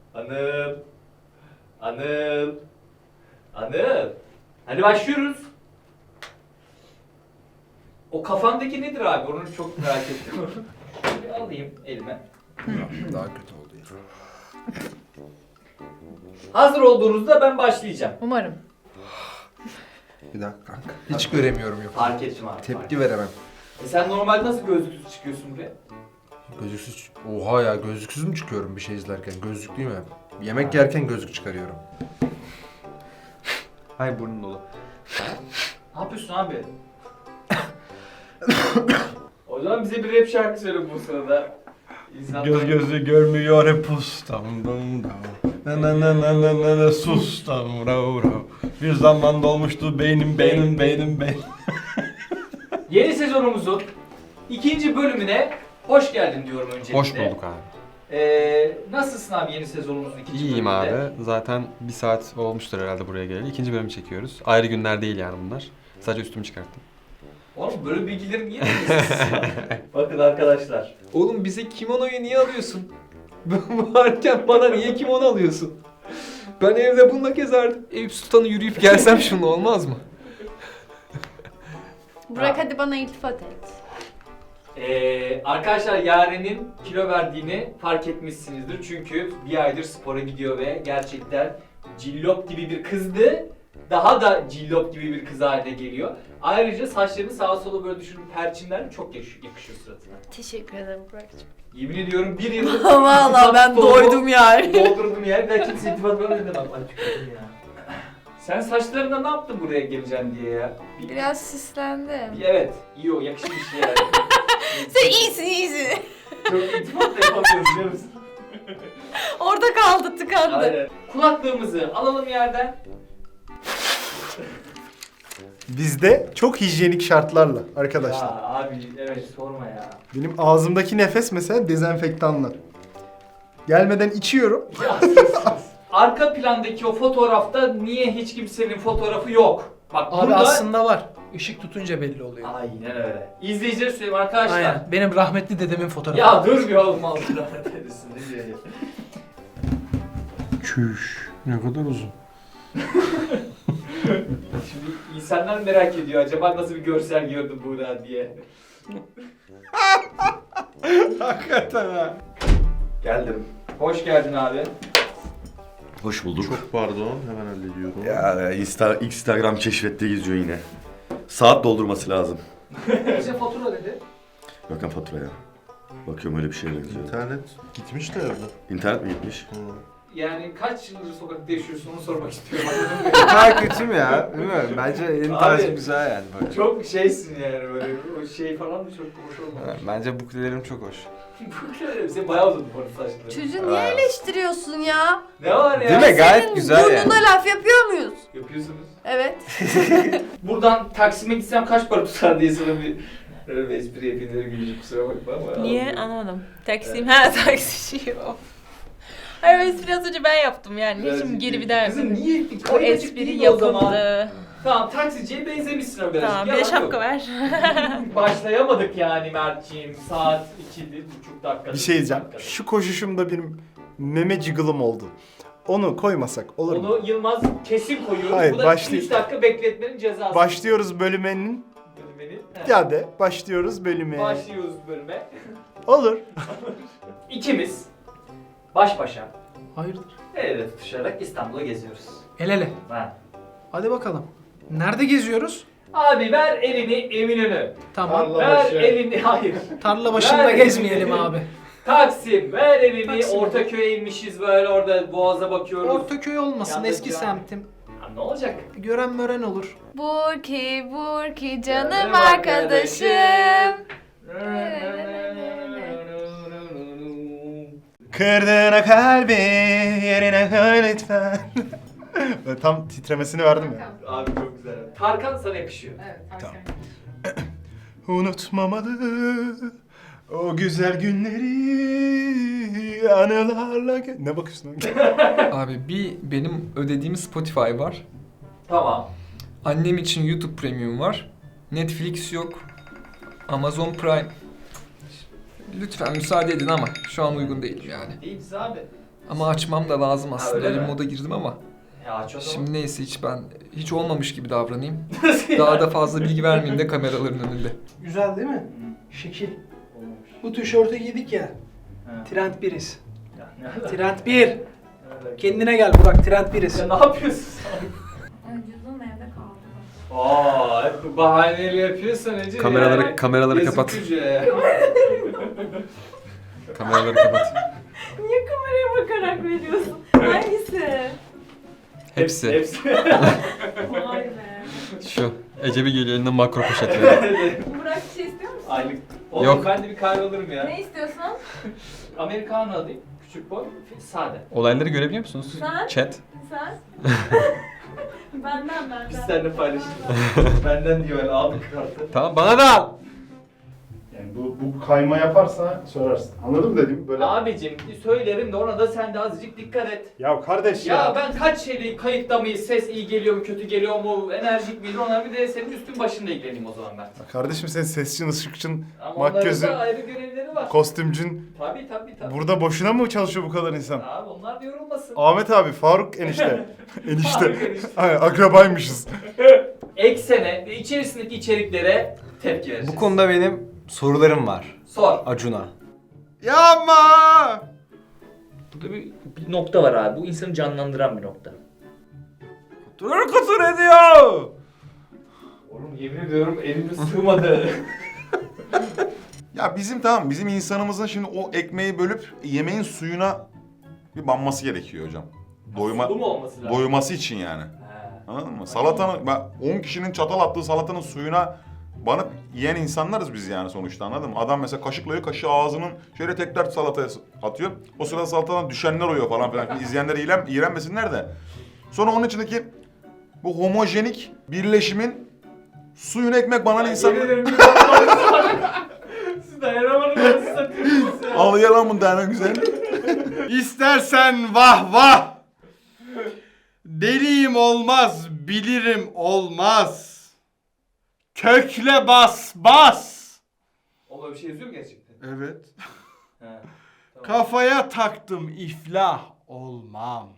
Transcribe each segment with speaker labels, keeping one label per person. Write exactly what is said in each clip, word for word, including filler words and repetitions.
Speaker 1: Anıl. Anıl. Anıl. Hadi başlıyoruz. O kafandaki nedir abi? Onu çok merak ettim. Bir alayım elime.
Speaker 2: Daha kötü oldu ya.
Speaker 1: Hazır olduğunuzda ben başlayacağım.
Speaker 3: Umarım.
Speaker 2: Bir dakika kanka. Hiç göremiyorum yok.
Speaker 1: Fark ettim abi. fark
Speaker 2: Tepki
Speaker 1: ettim.
Speaker 2: veremem.
Speaker 1: E sen normalde nasıl gözlüksüz çıkıyorsun buraya?
Speaker 2: Gözlüksüz... Oha ya gözlüksüz mü çıkıyorum bir şey izlerken? Gözlüklüyüm hep. Yemek yerken gözlük çıkarıyorum. Hay burnun dolu.
Speaker 1: Ne yapıyorsun abi? O zaman bize bir rap şarkı söyle bu sırada. İnsanlar...
Speaker 4: Göz gözü görmüyor hep ustam dum dum. Na na na na na na na sustam rav rav. Bir zaman dolmuştu beynim beynim beynim beynim.
Speaker 1: Yeni sezonumuzun ikinci bölümüne hoş geldin diyorum öncelikle.
Speaker 5: Hoş bulduk abi.
Speaker 1: Ee, nasılsın abi yeni sezonumuzun ikinci
Speaker 5: İyiyim
Speaker 1: bölümünde?
Speaker 5: abi. Zaten bir saat olmuştur herhalde buraya geleli. İkinci bölümü çekiyoruz. Ayrı günler değil yani bunlar. Sadece üstümü çıkarttım.
Speaker 1: Oğlum böyle bilgileri niye veriyorsun? Bakın arkadaşlar.
Speaker 6: Oğlum bize kimonoyu niye alıyorsun? Varken bana niye kimono alıyorsun? Ben evde bununla gezerdim. Eyüp Sultan'ı yürüyüp gelsem şununla olmaz mı?
Speaker 3: Burak
Speaker 1: Ha.
Speaker 3: hadi bana iltifat et.
Speaker 1: Ee, arkadaşlar Yaren'in kilo verdiğini fark etmişsinizdir. Çünkü bir aydır spora gidiyor ve gerçekten cillop gibi bir kızdı. Daha da cillop gibi bir kız haline geliyor. Ayrıca saçlarını sağa sola böyle düşünüp perçinler çok yakışıyor, yakışıyor suratına.
Speaker 3: Teşekkür ederim Burak'cığım.
Speaker 1: Yemin ediyorum bir yıllık
Speaker 3: Valla ben doydum yani.
Speaker 1: doldurdum yer. Ben kimse iltifat vermedi bak. Ay çıkardım ya. Sen saçlarına ne yaptın buraya geleceğim diye ya? Bir-
Speaker 3: Biraz süslendim.
Speaker 1: bir- Evet, iyi o, yakışmış yani.
Speaker 3: Sen iyisin iyisin.
Speaker 1: Çok iltifat da yapamıyoruz biliyor musun?
Speaker 3: Orada kaldı tıkandı.
Speaker 1: Aynen. Kulaklığımızı alalım yerden.
Speaker 7: Bizde çok hijyenik şartlarla arkadaşlar.
Speaker 1: Ya abi evet sorma ya.
Speaker 7: Benim ağzımdaki nefes mesela dezenfektanla. Gelmeden içiyorum.
Speaker 1: Ya sus, sus. Arka plandaki o fotoğrafta niye hiç kimsenin fotoğrafı yok? Bak
Speaker 8: Abi
Speaker 1: burada...
Speaker 8: aslında var. Işık tutunca belli oluyor.
Speaker 1: Aynen öyle. İzleyicilere söyleyeyim arkadaşlar.
Speaker 8: Aynen. Benim rahmetli dedemin fotoğrafı.
Speaker 1: Ya dur bir oğlum Allah neredesin ne diyor ya.
Speaker 4: Çüş. Ne kadar uzun.
Speaker 1: Şimdi insanlar merak ediyor acaba nasıl bir görsel gördü Buğra diye.
Speaker 4: Hakikaten ha.
Speaker 1: Geldim. Hoş geldin abi.
Speaker 9: Hoş bulduk.
Speaker 4: Çok pardon hemen hallediyorum.
Speaker 9: Ya Insta, Instagram keşfette geziyor yine. Saat doldurması lazım.
Speaker 1: Bize fatura dedi.
Speaker 9: Bakın faturaya. Bakıyorum öyle bir şeye benziyor.
Speaker 4: İnternet gitmiş de evde.
Speaker 9: İnternet mi gitmiş?
Speaker 1: Yani kaç yıldır sokakta yaşıyorsun onu sormak istiyorum. Anladın mı?
Speaker 2: Daha kötü mü ya? Bilmiyorum. Bence en
Speaker 1: Abi.
Speaker 2: tarzı güzel yani böyle.
Speaker 1: Çok şeysin yani böyle o şey falan da çok hoş olmamış.
Speaker 2: Bence buklelerim çok hoş.
Speaker 1: Senin bayağı uzadı bu arada saçları.
Speaker 3: Çocuğu niye eleştiriyorsun ya?
Speaker 1: Ne var ya?
Speaker 2: Değil mi? Gayet
Speaker 3: Senin
Speaker 2: güzel yani.
Speaker 3: burnuna laf yapıyor muyuz?
Speaker 1: Yapıyorsunuz.
Speaker 3: Evet.
Speaker 1: Buradan Taksim'e gitsem kaç para tutar diye sana bir öyle bir espri yapayım dedim gülücük kusura bakma ama.
Speaker 10: Niye? Anlamadım. Taksim, ha taksi o. Hayır o espri az önce ben yaptım yani. Niye şimdi geri bir daha
Speaker 1: Kızım
Speaker 10: yapayım?
Speaker 1: niye?
Speaker 10: O espri
Speaker 1: o zaman.
Speaker 10: yapıldı.
Speaker 1: Tamam taksiciye benzemişsin o birazcık.
Speaker 10: Tamam bir
Speaker 1: Yalan
Speaker 10: de şapka
Speaker 1: yok.
Speaker 10: ver.
Speaker 1: Başlayamadık yani Mert'ciğim. Saat iki buçuk dakika.
Speaker 7: Bir şey diyeceğim. Şu koşuşumda benim meme jiggle'ım oldu. Onu koymasak olur mu?
Speaker 1: Onu Yılmaz kesin koyuyoruz.
Speaker 7: Hayır,
Speaker 1: Bu da
Speaker 7: başlayayım.
Speaker 1: üç dakika bekletmenin cezası.
Speaker 7: Başlıyoruz bölümenin.
Speaker 1: Bölümeni.
Speaker 7: Ya de başlıyoruz bölüme.
Speaker 1: Başlıyoruz bölüme.
Speaker 7: Olur.
Speaker 1: İkimiz baş başa
Speaker 8: Hayırdır?
Speaker 1: el ele tutuşarak İstanbul'u geziyoruz.
Speaker 8: El ele.
Speaker 1: Ha.
Speaker 8: Hadi bakalım. Nerede geziyoruz?
Speaker 1: Abi ver elini Eminönü.
Speaker 8: Tamam.
Speaker 1: Ver elini hayır.
Speaker 8: Tarla başında
Speaker 1: Ver
Speaker 8: gezmeyelim
Speaker 1: elini.
Speaker 8: abi.
Speaker 1: Taksim ver elini
Speaker 8: Taksim.
Speaker 1: Ortaköy'e inmişiz böyle orada Boğaz'a bakıyoruz.
Speaker 8: Ortaköy olmasın
Speaker 1: Yanda
Speaker 8: eski
Speaker 1: cami.
Speaker 8: semtim.
Speaker 1: Ha, ne olacak?
Speaker 8: Gören mören olur.
Speaker 3: Burki, Burki canım
Speaker 1: Canım
Speaker 3: arkadaşım.
Speaker 7: Kırdığına kalbi yerine koy lütfen. Tam titremesini verdim ya.
Speaker 1: Abi çok güzel. Tarkan sana yakışıyor.
Speaker 7: Tamam. Unutmamalı o güzel günleri anılarla... ge- Ne bakıyorsun lan?
Speaker 6: Abi bir benim ödediğim Spotify var.
Speaker 1: Tamam.
Speaker 6: Annem için YouTube Premium var. Netflix yok. Amazon Prime. Lütfen müsaade edin ama şu an uygun değil yani.
Speaker 1: Değiliz abi.
Speaker 6: Ama açmam da lazım aslında.
Speaker 1: öyle
Speaker 6: Öyle
Speaker 1: mi?
Speaker 6: moda girdim ama.
Speaker 1: Ya aç o zaman.
Speaker 6: Şimdi neyse hiç ben hiç olmamış gibi davranayım.
Speaker 1: Nasıl
Speaker 6: Daha
Speaker 1: yani?
Speaker 6: da fazla bilgi vermeyeyim de kameraların önünde.
Speaker 8: Güzel değil mi? Şekil. Bu tişörtü giydik ya.
Speaker 1: Ha.
Speaker 8: Trend biriz.
Speaker 1: Ya ne alaka?
Speaker 8: Trend bir.
Speaker 1: Ne alaka?
Speaker 8: Kendine gel Burak, trend biriz.
Speaker 1: Ya ne yapıyorsun sen?
Speaker 10: Cüzdanım evde kaldı.
Speaker 1: Aa, hep bu bahaneyle yapıyorsun Ece.
Speaker 5: Kameraları
Speaker 1: yani.
Speaker 5: kameraları
Speaker 1: Yazık
Speaker 5: kapat.
Speaker 1: çocuğa ya.
Speaker 5: Kameraları kapat.
Speaker 10: Niye kameraya bakarak veriyorsun? Hangisi?
Speaker 5: Hepsi.
Speaker 1: Hepsi.
Speaker 10: Vay be.
Speaker 5: Şu. Ece bir geliyor elinde makro poşeti.
Speaker 10: Burak bir şey istiyor musun?
Speaker 1: Aylık. Oğlum
Speaker 5: Yok.
Speaker 1: ben de bir kahve alırım ya.
Speaker 10: Ne istiyorsun?
Speaker 1: Americano alayım. Küçük boy, sade.
Speaker 5: Olayları görebiliyor musunuz?
Speaker 10: Sen?
Speaker 5: Chat.
Speaker 10: Sen? benden benden.
Speaker 1: Biz seninle paylaşırız. Benden diyor öyle abi kartı.
Speaker 5: Tamam bana da al.
Speaker 7: Yani bu, bu kayma yaparsa söylersin. Anladın mı dediğimi? Böyle.
Speaker 1: Abicim söylerim de ona da sen de azıcık dikkat et.
Speaker 7: Ya kardeş ya.
Speaker 1: Ya ben kaç şeyle kayıtta mıyız, ses iyi geliyor mu, kötü geliyor mu, enerjik midir ona bir de senin üstün başında ilgileneyim o zaman ben.
Speaker 7: Kardeşim senin sesçin, ışıkçın,
Speaker 1: Ama onların
Speaker 7: makyözün,
Speaker 1: da ayrı görevleri var.
Speaker 7: kostümcün.
Speaker 1: Tabii tabii tabii.
Speaker 7: Burada boşuna mı çalışıyor bu kadar insan?
Speaker 1: Abi onlar da yorulmasın.
Speaker 7: Ahmet abi, Faruk enişte. enişte.
Speaker 1: Faruk enişte.
Speaker 7: Aynen, akrabaymışız.
Speaker 1: Eksene ve içerisindeki içeriklere tepki vereceğiz.
Speaker 11: Bu konuda benim sorularım var
Speaker 1: Sor.
Speaker 11: Acun'a.
Speaker 7: Yapma!
Speaker 1: Burada bir, bir nokta var abi. Bu insanı canlandıran bir nokta.
Speaker 7: Dur kusur ediyor!
Speaker 1: Oğlum yemin ediyorum elimde sığmadı.
Speaker 9: Ya bizim tamam bizim insanımızın şimdi o ekmeği bölüp yemeğin suyuna bir banması gerekiyor hocam. Doyma
Speaker 1: Bu mu olması lazım?
Speaker 9: doyması için yani.
Speaker 1: He.
Speaker 9: Anladın mı? Salatanın ben on kişinin çatal attığı salatanın suyuna banıp yiyen insanlarız biz yani sonuçta anladın mı? Adam mesela kaşıkla yiyor, kaşığı ağzının şöyle tekrar salataya atıyor. O sırada salatadan düşenler oluyor falan filan. Şimdi izleyenler iğren, iğrenmesinler de. Sonra onun içindeki bu homojenik birleşimin suyunu ekmek banan
Speaker 1: Yemin
Speaker 9: insanlar.
Speaker 1: ederim bir bakma. Siz dayanamadınız nasıl satıyorsunuz ya?
Speaker 9: Al ya lan bunu daha güzel.
Speaker 4: İstersen vah vah. Deliyim olmaz, bilirim olmaz. Kökle bas bas.
Speaker 1: Oğlum bir şey yazıyor mu gerçekten?
Speaker 4: Evet.
Speaker 1: He. Tamam.
Speaker 4: Kafaya taktım iflah olmam.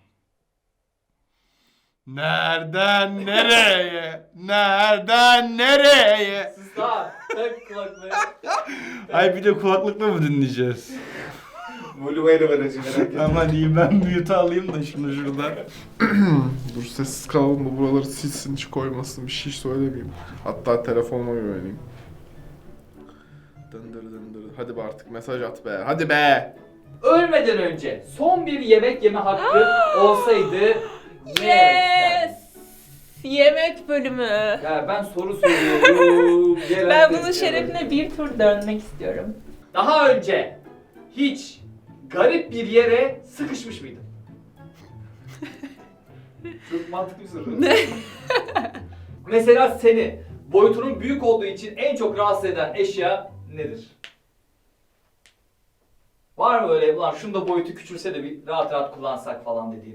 Speaker 4: Nereden nereye? Nereden nereye?
Speaker 1: Sus daha. Tak kulaklığı.
Speaker 4: Ay bir de kulaklıkla mı dinleyeceğiz?
Speaker 1: Volümeyle vereceğim merak etme.
Speaker 4: Aman iyi ben mute alayım da şunu şuradan.
Speaker 2: Dur sessiz kalın da buraları silsin hiç koymasın bir şey söylemeyeyim. Hatta telefonuma güveneyim. Dındır dındır. Hadi be artık mesaj at be. Hadi be.
Speaker 1: Ölmeden önce son bir yemek yeme hakkı olsaydı ne
Speaker 10: Yes! Yemek bölümü.
Speaker 1: Ya ben soru soruyorum. gelen
Speaker 10: Ben bunun
Speaker 1: tepki
Speaker 10: şerefine
Speaker 1: alıyorum.
Speaker 10: bir tur dönmek istiyorum.
Speaker 1: Daha önce hiç garip bir yere sıkışmış mıydın? Çok mantıklı bir soru.
Speaker 10: Ne?
Speaker 1: Mesela seni boyutunun büyük olduğu için en çok rahatsız eden eşya nedir? Var mı öyle ulan şunu da boyutu küçülse de bir rahat rahat kullansak falan dediğin?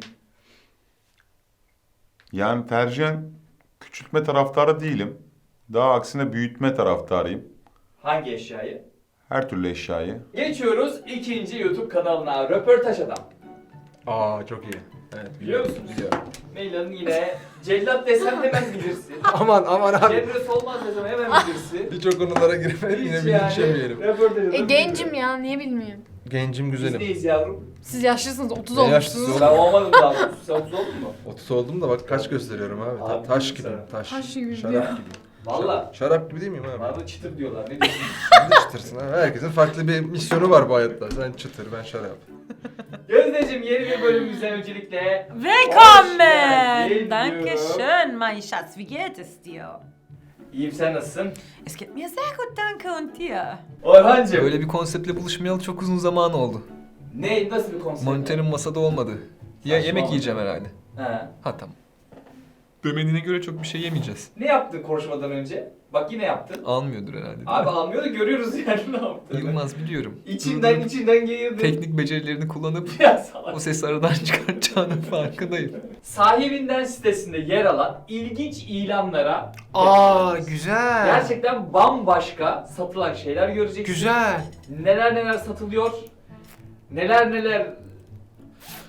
Speaker 9: Yani tercihen küçültme taraftarı değilim. Daha aksine büyütme taraftarıyım.
Speaker 1: Hangi eşyayı?
Speaker 9: Her türlü eşyayı.
Speaker 1: Geçiyoruz ikinci YouTube kanalına. Röportaj Adam.
Speaker 2: Aa çok iyi. Evet
Speaker 1: Biliyor musunuz?
Speaker 2: Biliyorum.
Speaker 1: Meyla'nın yine cellat desem hemen bilirsin.
Speaker 2: Aman aman abi.
Speaker 1: Cemre Solmaz desem hemen bilirsin.
Speaker 2: Birçok konulara girmeyelim yine
Speaker 1: Hiç yani
Speaker 2: bilinçemeyelim.
Speaker 1: röportaj
Speaker 3: E
Speaker 1: Adam
Speaker 3: gencim
Speaker 1: biliyorum.
Speaker 3: ya niye bilmiyorum.
Speaker 2: Gencim
Speaker 1: Biz
Speaker 2: güzelim.
Speaker 1: neyiz yavrum?
Speaker 3: Siz yaşlısınız otuz
Speaker 2: Ne
Speaker 3: olmuşsunuz.
Speaker 2: yaşlısı
Speaker 1: Ben olmadım daha. Sen otuz oldun mu?
Speaker 2: otuz oldum da bak kaç gösteriyorum abi. Ta-
Speaker 1: Abi,
Speaker 2: taş gibi.
Speaker 1: sana.
Speaker 2: Taş.
Speaker 3: Taş gibi
Speaker 2: Şarap
Speaker 3: diyor.
Speaker 2: gibi.
Speaker 1: Valla.
Speaker 2: Şarap gibi değil miyim abi?
Speaker 1: Bana da çıtır diyorlar. Ne diyorsun?
Speaker 2: Sen de çıtırsın ha. Herkesin farklı bir misyonu var bu hayatta. Sen çıtır, ben şarap.
Speaker 1: Gözdeciğim yeni bir bölümümüze öncelikle hoş
Speaker 10: Willkommen!
Speaker 1: geldin
Speaker 10: Danke
Speaker 1: diyorum.
Speaker 10: schön, mein Schatz. Wie geht es dir?
Speaker 1: İyiyim sen nasılsın?
Speaker 10: Es geht mir sehr gut, danke und dir.
Speaker 1: Orhancığım.
Speaker 6: Böyle bir konseptle buluşmayalı çok uzun zaman oldu.
Speaker 1: Ne? Nasıl bir konsept?
Speaker 6: Monitörüm masada olmadı. Ya
Speaker 1: Saçma
Speaker 6: yemek
Speaker 1: oldu.
Speaker 6: yiyeceğim herhalde.
Speaker 1: He.
Speaker 6: Ha tamam. Demediğine göre çok bir şey yemeyeceğiz.
Speaker 1: Ne yaptın konuşmadan önce? Bak yine yaptın.
Speaker 6: Almıyordur herhalde. değil
Speaker 1: Abi
Speaker 6: mi?
Speaker 1: almıyor da görüyoruz yani ne yaptığını.
Speaker 6: Yılmaz biliyorum.
Speaker 1: İçinden içinden geğirdin.
Speaker 6: Teknik becerilerini kullanıp
Speaker 1: Ya salak.
Speaker 6: o sesi aradan çıkartacağının farkındayım.
Speaker 1: Sahibinden sitesinde yer alan ilginç ilanlara
Speaker 8: Aa güzel.
Speaker 1: gerçekten bambaşka satılan şeyler göreceksin.
Speaker 8: Güzel.
Speaker 1: Neler neler satılıyor. Neler neler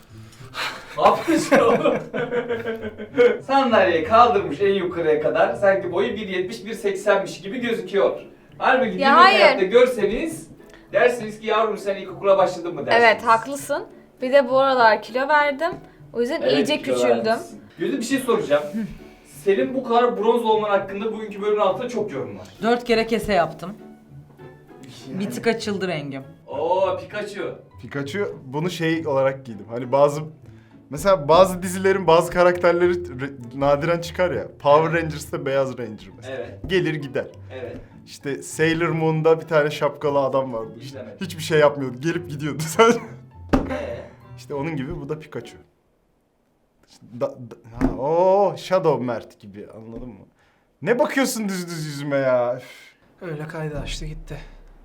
Speaker 1: yapmış oğlum? Sandalyeyi kaldırmış en yukarıya kadar. Sanki boyu bir yetmiş bir seksenmiş gibi gözüküyor. Halbuki
Speaker 3: Ya
Speaker 1: günlük
Speaker 3: hayır.
Speaker 1: hayatta görseniz dersiniz ki yavrum sen ilkokula başladın mı dersiniz.
Speaker 3: Evet haklısın. Bir de bu aralar kilo verdim. O yüzden
Speaker 1: Evet,
Speaker 3: iyice
Speaker 1: kilo
Speaker 3: küçüldüm.
Speaker 1: vermişsin. Gözde bir şey soracağım. Senin bu kadar bronz olman hakkında bugünkü bölümün altında çok yorum var.
Speaker 10: Dört kere kese yaptım. Bir tık açıldı rengim.
Speaker 1: Oo Pikachu.
Speaker 7: Pikachu bunu şey olarak giydim. Hani bazı mesela bazı dizilerin bazı karakterleri re- nadiren çıkar ya. Power Rangers'ta beyaz Ranger mesela.
Speaker 1: Evet.
Speaker 7: Gelir gider.
Speaker 1: Evet.
Speaker 7: İşte Sailor Moon'da bir tane şapkalı adam vardı. İşte
Speaker 1: İzlemedim.
Speaker 7: hiçbir şey yapmıyordu. Gelip gidiyordu sadece.
Speaker 1: Ee,
Speaker 7: İşte onun gibi bu da Pikachu. İşte da, da, ha, oo, Shadow Mert gibi anladın mı? Ne bakıyorsun düz düz yüzüme ya? Üf.
Speaker 8: Öyle kaydı açtı gitti.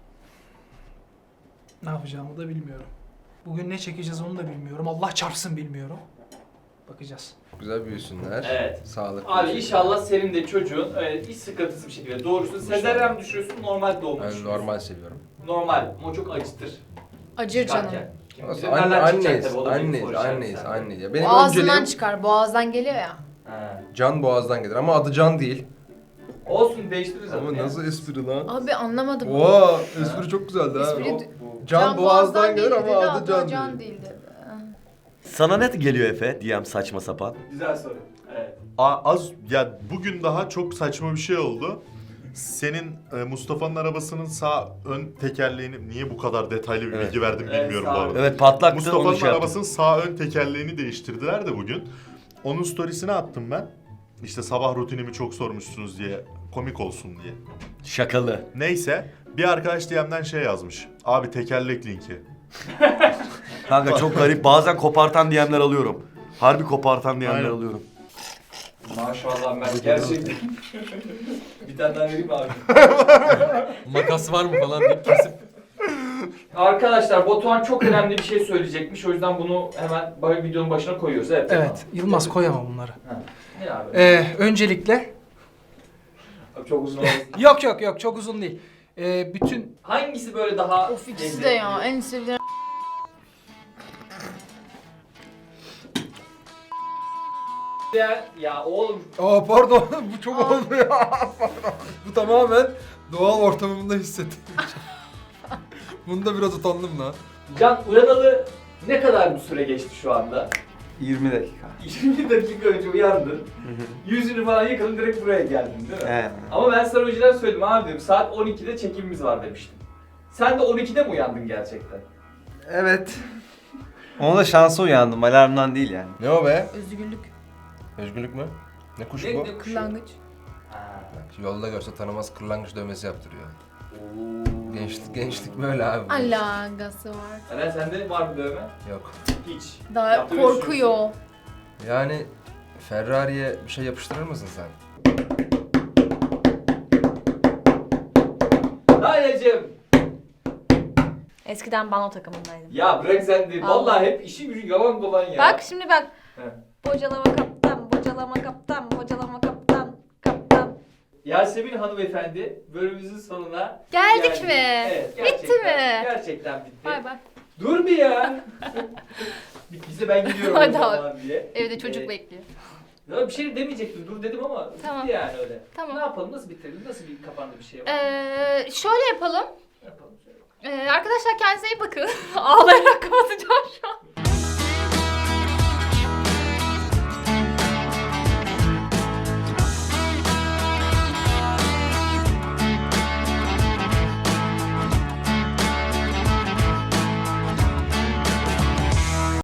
Speaker 8: Ne yapacağımı da bilmiyorum. Bugün ne çekeceğiz onu da bilmiyorum. Allah çarpsın bilmiyorum. Bakacağız.
Speaker 2: Güzel büyüsünler.
Speaker 1: Evet.
Speaker 2: Sağlıklı.
Speaker 1: Abi
Speaker 2: büyüsünler.
Speaker 1: inşallah senin de çocuğun evet, hiç sıkıntısı bir şekilde doğrusu sezaryen mi düşüyorsun normal doğum mu
Speaker 2: Ben
Speaker 1: düşüyorsun?
Speaker 2: normal seviyorum.
Speaker 1: Normal ama çok acıtır.
Speaker 3: Acır canım.
Speaker 1: Çıkarken. Kim
Speaker 2: Olsun,
Speaker 1: bilir
Speaker 2: anne,
Speaker 1: nereden çıkacak
Speaker 2: anneyiz,
Speaker 1: tabii, o da benim
Speaker 2: anneyiz,
Speaker 1: soru
Speaker 2: anneyiz,
Speaker 1: işareti
Speaker 2: anneyiz. Ya benim
Speaker 3: Boğazından
Speaker 2: önceliğim
Speaker 3: çıkar. Boğazdan geliyor ya.
Speaker 1: Ha.
Speaker 2: Can boğazdan gelir ama adı Can değil.
Speaker 1: Olsun değiştiririz
Speaker 2: Ama
Speaker 1: adını ya.
Speaker 2: nasıl espri lan?
Speaker 3: Abi anlamadım.
Speaker 2: Oha espri çok güzeldi ha.
Speaker 3: Espri-
Speaker 1: Yok bu.
Speaker 2: Can, boğazdan gelir
Speaker 3: değil
Speaker 2: ama
Speaker 3: dedi,
Speaker 2: adı
Speaker 3: hatta
Speaker 2: Can,
Speaker 3: Can
Speaker 2: değil.
Speaker 3: değil dedi.
Speaker 12: Sana ne geliyor Efe? Diyem saçma sapan.
Speaker 1: Güzel soru. Evet.
Speaker 13: A- az ya bugün daha çok saçma bir şey oldu. Senin e, Mustafa'nın arabasının sağ ön tekerleğini niye bu kadar detaylı bir
Speaker 12: Evet.
Speaker 13: bilgi verdim
Speaker 1: Evet,
Speaker 13: bilmiyorum
Speaker 1: sağ
Speaker 13: bu
Speaker 1: ol.
Speaker 13: arada.
Speaker 12: Evet patlaktı onu
Speaker 13: Mustafa'nın
Speaker 12: şey yaptım.
Speaker 13: arabasının sağ ön tekerleğini değiştirdiler de bugün. Onun storiesini attım ben. İşte sabah rutinimi çok sormuşsunuz diye, komik olsun diye.
Speaker 12: Şakalı.
Speaker 13: Neyse bir arkadaş D M'den şey yazmış. Abi tekerlek linki.
Speaker 12: Kanka çok garip. Bazen kopartan D M'ler alıyorum. Harbi kopartan D M'ler
Speaker 13: Aynen.
Speaker 12: alıyorum.
Speaker 1: Maşallah ben gerçekten. Bir tane daha vereyim mi abi?
Speaker 5: Makas var mı falan deyip kesip.
Speaker 1: Arkadaşlar Batuhan çok önemli bir şey söyleyecekmiş. O yüzden bunu hemen ba- videonun başına koyuyoruz. Evet.
Speaker 8: Evet, Yılmaz koyamam bunları.
Speaker 1: Ha. Ne abi?
Speaker 8: Ee, öncelikle...
Speaker 1: Abi çok uzun olmasın.
Speaker 8: Yok yok yok, çok uzun değil. Ee, bütün...
Speaker 1: Hangisi böyle daha...
Speaker 3: Of ikisi de ya. En sevilen...
Speaker 1: Ya, ya oğlum
Speaker 2: Aa pardon bu çok oldu ya. Pardon. Bu tamamen doğal ortamımda hissettim. Bunda biraz utandım lan.
Speaker 1: Can uyanalı ne kadar bir süre geçti şu anda?
Speaker 11: yirmi dakika.
Speaker 1: yirmi dakika önce uyandın. Yüzünü falan yıkadın direkt buraya geldin değil mi?
Speaker 11: Evet.
Speaker 1: Ama ben sana önceden söyledim abi dedim saat on ikide çekimimiz var demiştim. Sen de on ikide mi uyandın gerçekten?
Speaker 11: Evet. Ona da şansa uyandım. Alarmdan değil yani.
Speaker 2: Ne o be?
Speaker 3: Özgürlük.
Speaker 2: Özgürlük mü? Ne kuşu
Speaker 1: Ne,
Speaker 2: bu?
Speaker 1: ne kuşu?
Speaker 3: Kırlangıç.
Speaker 1: Ha.
Speaker 2: Bak, yolda görse tanımaz kırlangıç dövmesi yaptırıyor. Gençlik gençlik böyle abi.
Speaker 3: Alakası var.
Speaker 1: Eren sende var mı dövme?
Speaker 2: Yok.
Speaker 1: Hiç.
Speaker 3: Daha
Speaker 1: Yaptırıyor
Speaker 3: korkuyor.
Speaker 2: Yani Ferrari'ye bir şey yapıştırır mısın sen?
Speaker 1: Dayıcım.
Speaker 3: Eskiden bano takımındaydım.
Speaker 1: Ya bırak sen de. Vallahi hep işi gücü yalan dolan ya.
Speaker 3: Bak şimdi bak.
Speaker 1: He.
Speaker 3: Bocalama kaptan, bocalama kaptan, bocalama kaptan, kaptan.
Speaker 1: Yasemin hanımefendi bölümümüzün sonuna
Speaker 3: Geldik
Speaker 1: geldik.
Speaker 3: mi?
Speaker 1: Evet,
Speaker 3: Bitti
Speaker 1: gerçekten-
Speaker 3: mi?
Speaker 1: Gerçekten bitti.
Speaker 3: Bay bay.
Speaker 1: Dur bir ya. Bittiyse ben gidiyorum o
Speaker 3: Hadi
Speaker 1: zaman diye.
Speaker 3: Evde çocuk
Speaker 1: Ee,
Speaker 3: bekliyor.
Speaker 1: Ya bir şey demeyecektim dur dedim ama
Speaker 3: Tamam.
Speaker 1: bitti yani öyle.
Speaker 3: Tamam.
Speaker 1: Ne yapalım nasıl bitirelim nasıl bir kafanda bir şey var?
Speaker 3: Ee, şöyle yapalım.
Speaker 1: Ne yapalım söyle.
Speaker 3: Ee, arkadaşlar kendinize iyi bakın. Ağlayarak kapatacağım şu an.